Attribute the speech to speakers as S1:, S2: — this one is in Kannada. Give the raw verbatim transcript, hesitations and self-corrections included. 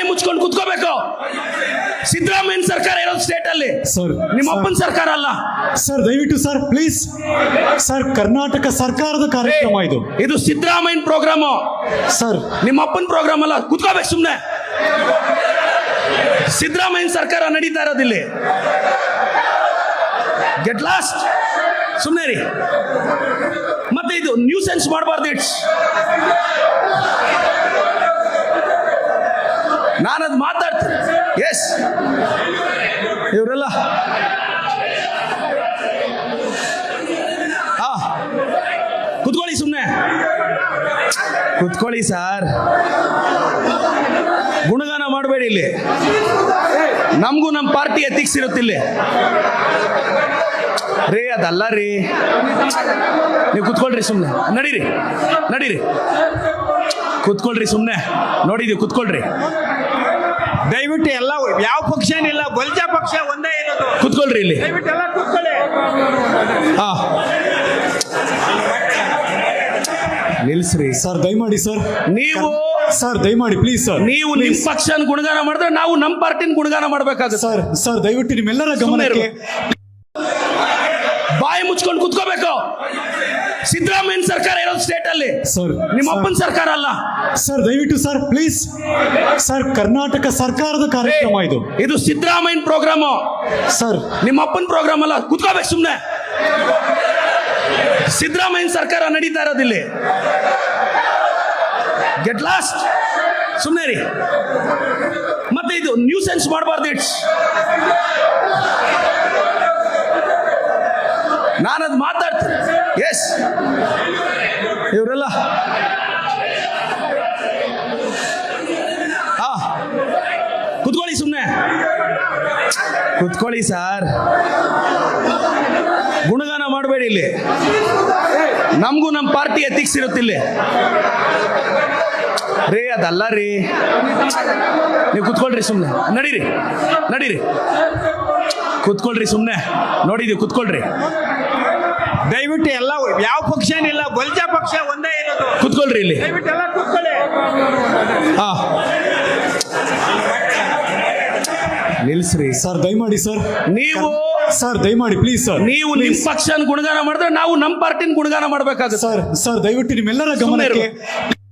S1: ಬಾಯಿ ಮುಚ್ಕೊಂಡು ಕುತ್ಕೋಬೇಕು. ಸಿದ್ದರಾಮಯ್ಯ ಸರ್ಕಾರ ಇರೋದು ಸ್ಟೇಟ್ ಅಲ್ಲಿ, ನಿಮ್ಮ ಅಪ್ಪನ ಸರ್ಕಾರ ಅಲ್ಲ
S2: ಸರ್. ದಯವಿಟ್ಟು ಸರ್ ಪ್ಲೀಸ್ ಸರ್, ಕರ್ನಾಟಕ ಸರ್ಕಾರದ ಕಾರ್ಯಕ್ರಮ ಇದು.
S1: ಇದು ಸಿದ್ದರಾಮಯ್ಯ ಪ್ರೋಗ್ರಾಮ್
S2: ಸರ್,
S1: ನಿಮ್ಮ ಅಪ್ಪನ ಪ್ರೋಗ್ರಾಮ್ ಅಲ್ಲ. ಕುತ್ಕೋಬೇಕು ಸುಮ್ನೆ. ಸಿದ್ದರಾಮಯ್ಯ ಸರ್ಕಾರ ನಡೀತಾ ಇರೋದಿಲ್ಲಿ. Get lost. ಸುಮ್ನೆ ರೀ. ಮತ್ತೆ ಇದು ನ್ಯೂ ಸೆನ್ಸ್ ಮಾಡಬಾರ್ದು. ಇಟ್ಸ್ ನಾನದು ಮಾತಾಡ್ತೀನಿ. ಎಸ್, ಇವರೆಲ್ಲ ಹಾ ಕುತ್ಕೊಳ್ಳಿ, ಸುಮ್ಮನೆ ಕುತ್ಕೊಳ್ಳಿ ಸರ್. ಗುಣಗಾನ ಮಾಡಬೇಡಿ ಇಲ್ಲಿ. ನಮಗೂ ನಮ್ಮ ಪಾರ್ಟಿ ಎಥಿಕ್ಸ್ ಇರುತ್ತಿಲ್ಲಿ ರೇ. ಅದಲ್ಲ ರೀ, ನೀವು ಕುತ್ಕೊಳ್ರಿ ಸುಮ್ಮನೆ. ನಡೀರಿ ನಡೀರಿ, ಕುತ್ಕೊಳ್ರಿ ಸುಮ್ಮನೆ. ನೋಡಿದೀವಿ, ಕುತ್ಕೊಳ್ರಿ
S3: ದಯವಿಟ್ಟು. ಎಲ್ಲ ಯಾವ ಪಕ್ಷನಿಲ್ಲ, ಬಲ್ಜ ಪಕ್ಷ ಒಂದೇ ಇರೋದು.
S1: ಕುತ್ಕೊಳ್ರಿ ಇಲ್ಲಿ.
S3: ದಯವಿಟ್ಟು ಎಲ್ಲ ಕುತ್ಕೊಳ್ಳಿ.
S1: ಹಾ, ನಿಲ್ಸ್ರಿ
S2: ಸರ್ ದಯಮಾಡಿ ಸರ್.
S1: ನೀವು
S2: ಸರ್ ದಯಮಾಡಿ ಪ್ಲೀಸ್ ಸರ್.
S1: ನೀವು ನಿಮ್ ಪಕ್ಷನ ಗುಣಗಾನ ಮಾಡಿದ್ರೆ ನಾವು ನಮ್ಮ ಪಾರ್ಟಿನ ಗುಣಗಾನ ಮಾಡ್ಬೇಕಾಗುತ್ತೆ
S2: ಸರ್. ಸರ್ ದಯವಿಟ್ಟು ನಿಮ್ಮೆಲ್ಲರ ಗಮನಕ್ಕೆ.
S1: ಬಾಯಿ ಮುಚ್ಕೊಂಡು ಕುತ್ಕೋಬೇಕು. ಸಿದ್ದರಾಮಯ್ಯ ಸರ್ಕಾರ ಇರೋದು ಸ್ಟೇಟ್ ಅಲ್ಲಿ, ನಿಮ್ಮ ಅಪ್ಪನ ಸರ್ಕಾರ ಅಲ್ಲ.
S2: ಸರ್ ದಯವಿಟ್ಟು ಸರ್ ಪ್ಲೀಸ್ ಸರ್, ಕರ್ನಾಟಕ ಸರ್ಕಾರದ ಕಾರ್ಯಕ್ರಮ ಇದು.
S1: ಇದು ಸಿದ್ದರಾಮಯ್ಯ ಪ್ರೋಗ್ರಾಮ್
S2: ಸರ್,
S1: ನಿಮ್ಮ ಅಪ್ಪನ ಪ್ರೋಗ್ರಾಮ್ ಅಲ್ಲ. ಕುತ್ಕೋಬೇಕು ಸುಮ್ನೆ. ಸಿದ್ದರಾಮಯ್ಯ ಸರ್ಕಾರ ನಡೀತಾ ಇರೋದಿಲ್ಲಿ. Get lost. ಸುಮ್ನೆ ರೀ. ಮತ್ತೆ ಇದು ನ್ಯೂ ಸೆನ್ಸ್ ಮಾಡಬಾರ್ದು. ಇಟ್ಸ್ ನಾನದು ಮಾತಾಡ್ತೀನಿ. ಎಸ್, ಇವರೆಲ್ಲ ಹಾ ಕುತ್ಕೊಳ್ಳಿ ಸುಮ್ಮನೆ. ಕುತ್ಕೊಳ್ಳಿ ಸರ್. ಗುಣಗಾನ ಮಾಡಬೇಡಿ ಇಲ್ಲಿ. ನಮಗೂ ನಮ್ಮ ಪಾರ್ಟಿ ಎಥಿಕ್ಸ್ ಇರುತ್ತಿಲ್ಲಿ ರೇ. ಅದಲ್ಲ ರೀ, ನೀವು ಕುತ್ಕೊಳ್ರಿ ಸುಮ್ಮನೆ. ನಡೀರಿ ನಡೀರಿ, ಕುತ್ಕೊಳ್ರಿ ಸುಮ್ಮನೆ. ನೋಡಿದೀವಿ, ಕುತ್ಕೊಳ್ರಿ.
S3: ದಯವಿಟ್ಟು ಎಲ್ಲ ಯಾವ ಪಕ್ಷನಿಲ್ಲ, ಬಲ್ಜ ಪಕ್ಷ ಒಂದೇ ಇರೋದು.
S1: ಕುತ್ಕೊಳ್ರಿ ಇಲ್ಲಿ.
S3: ದಯವಿಟ್ಟು ಎಲ್ಲ ಕುತ್ಕೊಳ್ಳಿ.
S1: ಹಾ, ನಿಲ್ಸ್ರಿ.
S2: ಸರ್ ದಯಮಾಡಿ ಸರ್.
S1: ನೀವು
S2: ಸರ್ ದಯಮಾಡಿ ಪ್ಲೀಸ್ ಸರ್.
S1: ನೀವು ನಿಮ್ ಪಕ್ಷನ ಗುಣಗಾನ ಮಾಡಿದ್ರೆ ನಾವು ನಮ್ಮ ಪಾರ್ಟಿನ ಗುಣಗಾನ ಮಾಡ್ಬೇಕಾಗುತ್ತೆ.
S2: ಸರ್. ಸರ್ ದಯವಿಟ್ಟು ನಿಮ್ಮೆಲ್ಲರ ಗಮನಕ್ಕೆ.